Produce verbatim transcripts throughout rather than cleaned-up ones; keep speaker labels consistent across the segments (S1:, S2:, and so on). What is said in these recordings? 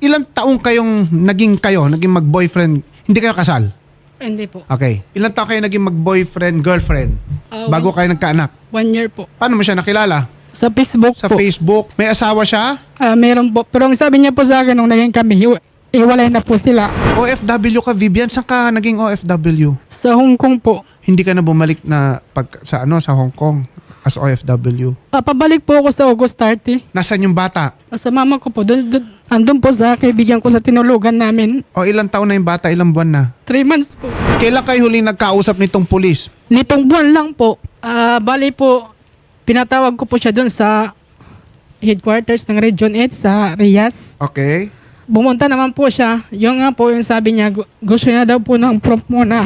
S1: ilang taong kayong naging kayo, naging mag-boyfriend, hindi kayo kasal?
S2: Hindi po.
S1: Okay. Ilang taong kayo naging mag-boyfriend, girlfriend,
S2: Ah,
S1: bago kayo nagkaanak?
S2: One year po.
S1: Paano mo siya nakilala?
S2: Sa Facebook
S1: Sa
S2: po.
S1: Facebook? May asawa siya?
S2: Ah, meron po. Pero ang sabi niya po sa akin nung naging kami, hiwa- hiwalay na po sila.
S1: O F W ka, Vivian? Saan ka naging O F W?
S2: Sa Hong Kong po.
S1: Hindi ka na bumalik na pag, sa ano sa Hong Kong as O F W?
S2: Ah, pabalik po ako sa August thirty.
S1: Nasaan yung bata?
S2: Ah, Sa mama ko po. Doon, doon, andun po sa kaibigan ko sa tinulugan namin.
S1: O ilang taon na yung bata? Ilang buwan na?
S2: Three months po.
S1: Kailan kayo huling nagkausap nitong pulis?
S2: Nitong buwan lang po. Ah, bali po, pinatawag ko po siya doon sa headquarters ng Region eight sa Riyas.
S1: Okay.
S2: Bumunta naman po siya. Yung nga po yung sabi niya, gu- gusto niya daw po ng proof muna.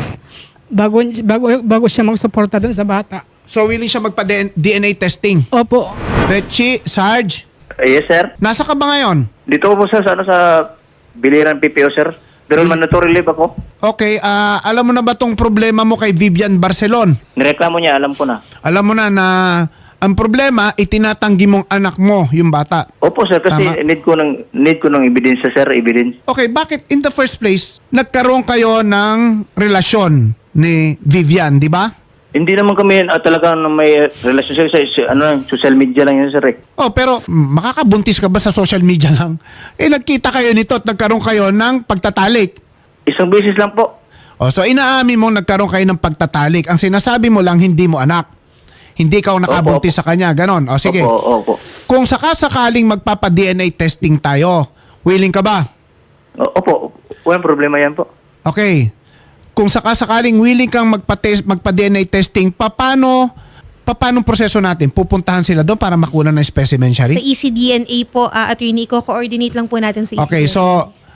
S2: Bago, bago, bago siya magsuporta doon sa bata.
S1: So willing siya magpa-D N A testing?
S2: Opo.
S1: Richie, Sarge,
S3: Eh, yes, sir.
S1: nasa ka ba ngayon?
S3: Dito po sir, sa, ano, sa Biliran P P O, sir. Pero mandatory leave ako.
S1: Okay, ah, alam mo na ba tong problema mo kay Vivian Barcelon?
S3: Nireklamo niya, alam ko na.
S1: Alam mo na na ang problema, itinatanggi mong anak mo, yung bata.
S3: Opo, sir, kasi
S1: Tama.
S3: need ko ng need ko ng ebidensya, sir, evidence.
S1: Okay, bakit in the first place, nagkaroon kayo ng relasyon ni Vivian, di ba?
S3: Hindi naman kami uh, talaga na may relasyon sir, sa, sa ano, social media lang yun, sir. Eh.
S1: Oh, pero mm, makakabuntis ka ba sa social media lang? Eh, nagkita kayo nito at nagkaroon kayo ng pagtatalik.
S3: Isang beses lang po.
S1: Oh, so inaamin mo nagkaroon kayo ng pagtatalik. Ang sinasabi mo lang, hindi mo anak. Hindi ka nakabuntis
S3: Opo,
S1: sa kanya, ganon. O sige.
S3: Opo, opo.
S1: Kung sakasakaling magpapa-D N A testing tayo, willing ka ba?
S3: O- Opo, walang problema yan po.
S1: Okay. Kung sakasakaling willing kang magpa-test, magpa-D N A testing, paano paano proseso natin? Pupuntahan sila doon para makuha ng specimen,
S4: Sa
S1: Shari?
S4: E C D N A po, uh, attorney, ko-coordinate lang po natin sa E C D N A.
S1: Okay, so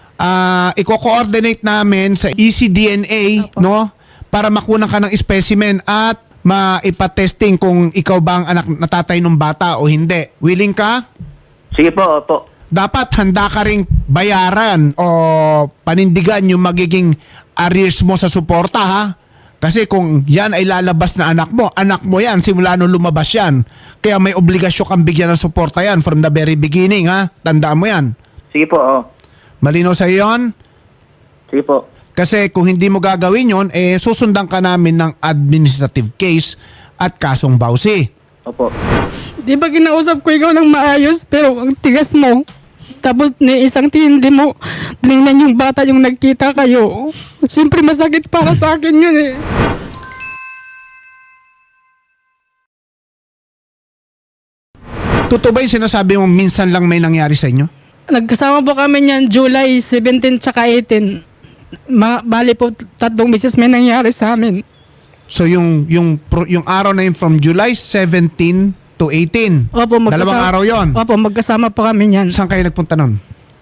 S1: ah i-coordinate namin sa E C D N A, no? Para makuha ka ng specimen at maipatesting kung ikaw ba ang anak na tatay ng bata o hindi. Willing ka?
S3: Sige po, opo.
S1: Dapat handa ka ring bayaran o panindigan yung magiging arrears mo sa suporta, ha? Kasi kung yan ay lalabas na anak mo, anak mo yan, simula nung lumabas yan. Kaya may obligasyon kang bigyan ng suporta yan from the very beginning, ha? Tandaan mo yan.
S3: Sige po, oh.
S1: Malinaw sa yon?
S3: Sige po.
S1: Kasi kung hindi mo gagawin yon, eh susundan ka namin ng administrative case at kasong bawsi.
S3: Opo.
S2: Di ba kinausap ko ikaw ng maayos, pero ang tigas mo. Tapos ni isang tindi mo, tinignan yung bata yung nagkita kayo. Siyempre masakit para sa akin yun eh.
S1: Totoo ba yung sinasabi mo minsan lang may nangyari sa inyo?
S2: Nagkasama po kami niyan July seventeen tsaka eighteen. Ma bali po tatlong beses may nangyari sa amin.
S1: So yung yung pro- yung araw na yun from July seventeen to eighteen.
S2: Opo, magkasama.
S1: Dalawang araw yon.
S2: Opo, magkasama po kami niyan.
S1: Saan kayo nagpunta nun?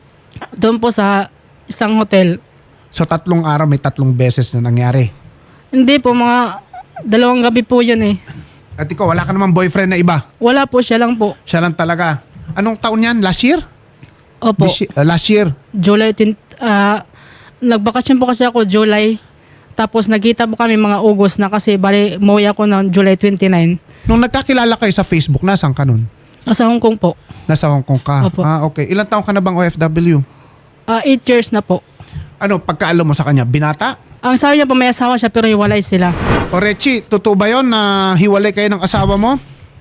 S2: Doon po sa isang hotel.
S1: So tatlong araw may tatlong beses na nangyari.
S2: Hindi po, mga dalawang gabi po yun eh.
S1: At ikaw, wala ka naman boyfriend na iba.
S2: Wala po, siya lang po.
S1: Siya lang talaga. Anong taon yan? Last year?
S2: Opo,
S1: This year- uh, last year.
S2: July tenth. ah nagbakasyon po kasi ako July. Tapos nagkita po kami mga August na kasi bali umuwi ako ng July twenty-nine.
S1: Nung nagkakilala kayo sa Facebook, nasaan ka nun?
S2: Nasa Hong Kong po.
S1: Nasa Hong Kong ka?
S2: Opo.
S1: Ah, okay. Ilang taon ka na bang O F W?
S2: Ah, eight years na po.
S1: Ano, pagkaalam mo sa kanya, binata?
S2: Ang sabi niya po may asawa siya pero hiwalay sila.
S1: O Rechi, totoo ba yun na hiwalay kayo ng asawa mo?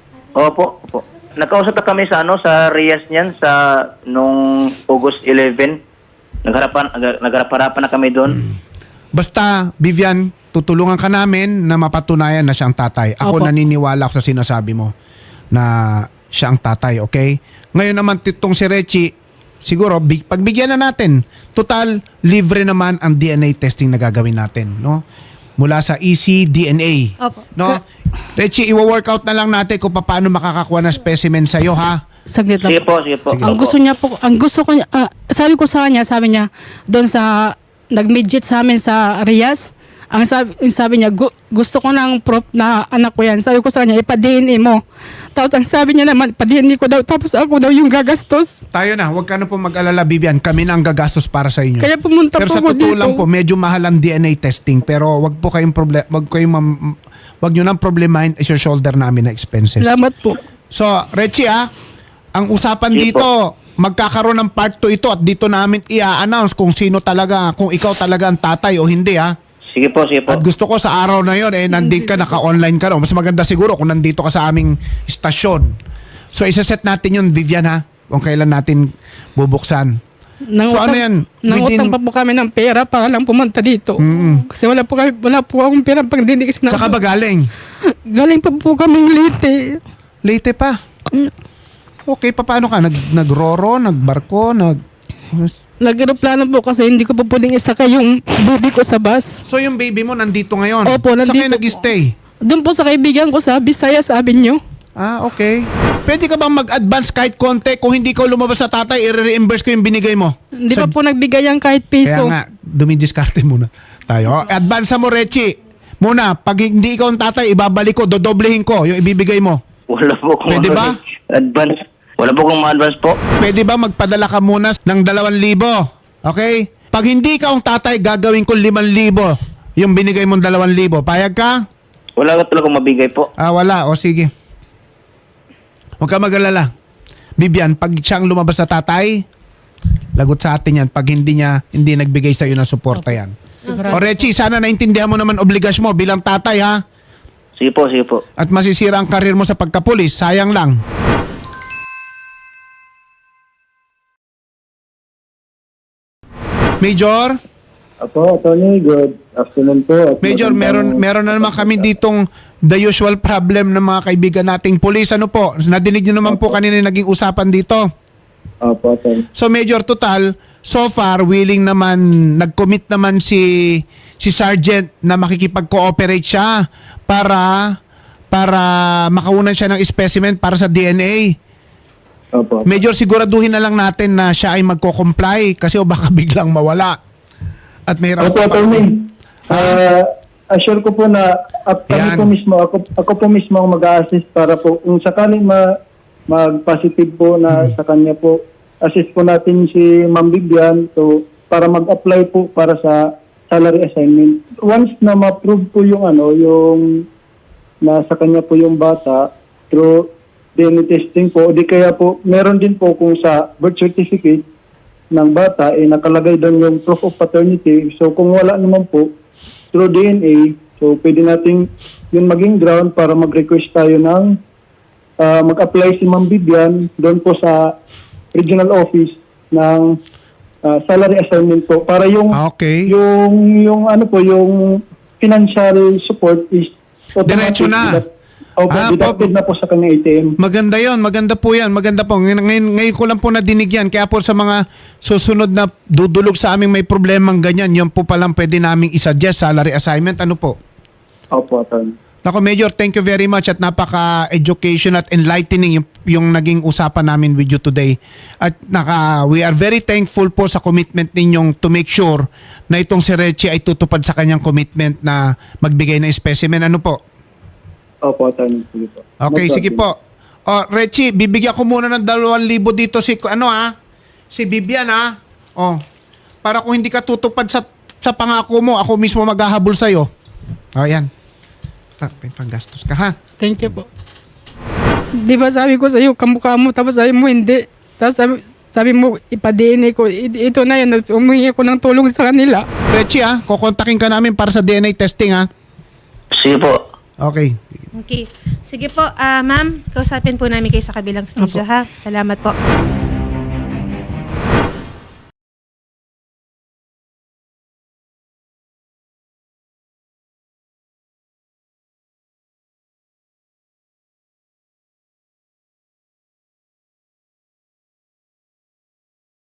S3: Opo, opo. Nakausap na kami sa ano sa Riyas niyan sa nung August eleventh. Nagharapan nag- nagharap-harapan na kami doon.
S1: Basta, Vivian, tutulungan ka namin na mapatunayan na siya ang tatay. Ako
S2: Opo.
S1: naniniwala ako sa sinasabi mo na siya ang tatay, okay? Ngayon naman, titong si Rechi, siguro, big, pagbigyan na natin. Total, libre naman ang D N A testing na gagawin natin, no? Mula sa E C D N A.
S4: Opo.
S1: No? Rechi, iwa-workout na lang natin kung paano makakakuha ng specimen sa'yo, ha?
S2: Saglit lang
S3: Sige
S2: po.
S3: po, sige po.
S2: Ang
S3: Opo.
S2: gusto niya po, ang gusto ko niya, ah, sabi ko sa kanya, sabi niya, doon sa, nag-midget sa amin sa Riyas, ang sabi, ang sabi niya, gu- gusto ko ng proof na anak ko yan. Sabi ko sa kanya, ipa-D N A mo. Tapos ang sabi niya naman, ipa-D N A ko daw, tapos ako daw yung gagastos.
S1: Tayo na, huwag ka na po mag-alala, Vivian. Kami na ang gagastos para sa inyo.
S2: Kaya pumunta
S1: Pero
S2: po
S1: sa
S2: ako
S1: totoo
S2: dito.
S1: lang po, medyo mahal ang D N A testing. Pero wag po kayong problem, wag kayong mam- wag niyo nang problemahin is your shoulder namin na expenses.
S2: Salamat po.
S1: So, Rechi ah, ang usapan
S3: Sige
S1: dito, magkakaroon ng part two ito at dito namin i-announce kung sino talaga, kung ikaw talaga ang tatay o hindi ha.
S3: Sige po, sige po.
S1: At gusto ko sa araw na yon eh nandito ka, naka-online ka no. Mas maganda siguro kung nandito ka sa aming istasyon. So isaset natin yun, Vivian ha, kung kailan natin bubuksan.
S2: Nang
S1: So, ano yan?
S2: Nangutang
S1: Within-
S2: pa po kami ng pera para lang pumunta dito. Kasi wala po, kami, wala po akong pera pang dinig.
S1: Saan ka ba galing?
S2: Galing pa po kaming Leyte.
S1: Late pa. Okay, pa paano ka? Nag, nagroro, nagbarko, nag...
S2: Nag-aeroplano po kasi hindi ko pa pwedeng isakay yung baby ko sa bus.
S1: So yung baby mo nandito ngayon?
S2: Opo,
S1: Saan kayo
S2: nandito po.
S1: nag-stay?
S2: Doon po sa kaibigan ko sa Visayas Avenue.
S1: Ah, okay. Pwede ka bang mag-advance kahit konti? Kung hindi ka lumabas sa tatay, i-reimburse ko yung binigay mo.
S2: Hindi
S1: Sa-
S2: pa po nagbigay yan kahit
S1: Kaya
S2: piso.
S1: nga, dumidiskarte muna tayo. Advance mo, Rechi. Muna, pag hindi ikaw ang tatay, ibabalik ko, dodoblehin ko yung ibibigay mo.
S3: Wala po kung
S1: Pwede ba?
S3: advance. Wala po kung ma-advance po.
S1: Pwede ba magpadala ka muna ng dalawang libo? Okay? Pag hindi ka ang tatay, gagawin ko limang libo yung binigay mong dalawang libo. Payag ka?
S3: Wala ka talagang mabigay po.
S1: Ah, wala. O sige. Huwag ka mag-alala. Bibian, pag siyang lumabas sa tatay, lagot sa atin yan. Pag hindi niya, hindi nagbigay sa'yo ng suporta yan. O Rechi, sana naintindihan mo naman obligasyon mo bilang tatay ha.
S3: Sige po, sige po.
S1: At masisira ang karir mo sa pagkapulis. Sayang lang. Major?
S5: Apo, Tony, good afternoon po. At
S1: Major, meron
S5: magandang-
S1: meron na naman kami ditong the usual problem ng mga kaibigan nating pulis. Ano po? Nadinig niyo naman po kanina yung naging usapan dito.
S5: Apo, Tony.
S1: So Major, total, so far willing naman, nag-commit naman si si Sergeant na makikipag-cooperate siya para para makaunan siya ng specimen para sa D N A.
S5: Apo.
S1: Major, siguraduhin na lang natin na siya ay magko-comply kasi o baka biglang mawala. At may
S5: Apo, Tony. Ah, assure ko po na at
S1: Yan.
S5: kami po mismo, ako, ako po mismo ang mag-a-assist para po kung sakaling ma, mag-positive po na sa kanya po, assist po natin si Ma'am Vivian so, para mag-apply po para sa salary assignment. Once na ma-prove po yung ano, yung nasa kanya po yung bata through D N A testing po, di kaya po, meron din po kung sa birth certificate ng bata, eh nakalagay doon yung proof of paternity. So kung wala naman po, through D N A, so pwede natin yun maging ground para mag-request tayo ng ah, mag-apply si Ma'am Vivian doon po sa regional office ng ah, salary assignment po para yung
S1: Ah, okay.
S5: yung yung ano po yung financial support is
S1: Diretso na.
S5: Opo,
S1: Ah,
S5: deducted
S1: po-
S5: na po sa kanyang A T M.
S1: Maganda yon, maganda po yan, maganda po. Ngayon, ngayon, ngayon ko lang po nadinig yan. Kaya po sa mga susunod na dudulog sa aming may problemang ganyan, yun po palang pwede naming isuggest salary assignment. Ano po?
S5: Opo, Atty.
S1: Nako Major, thank you very much at napaka-education at enlightening yung, yung naging usapan namin with you today. At naka, we are very thankful po sa commitment ninyong to make sure na itong si Rechi ay tutupad sa kanyang commitment na magbigay ng specimen. Ano po?
S5: Opo, Atty. Sige po.
S1: Okay,
S5: No
S1: sige
S5: problem.
S1: po. Oh, Rechi, bibigyan ko muna ng dalawang libo dito si, ano ah, si Bibian ah. Oh, para kung hindi ka tutupad sa, sa pangako mo, ako mismo maghahabol sa'yo. Oh, yan. Ah, may panggastos ka ha.
S2: Thank you po. Di ba sabi ko sa iyo, kamukha mo, tapos sabi mo hindi. Tapos sabi, sabi mo, ipa-D N A ko. I- ito na yan, umingi ko ng tulong sa kanila.
S1: Rechi ah, kukontakin ka namin para sa D N A testing ha.
S3: Sige po.
S1: Okay.
S4: Okay. Sige po, ah ma'am, kausapin po namin kayo sa kabilang studio,
S2: Opo.
S4: ha? Salamat po.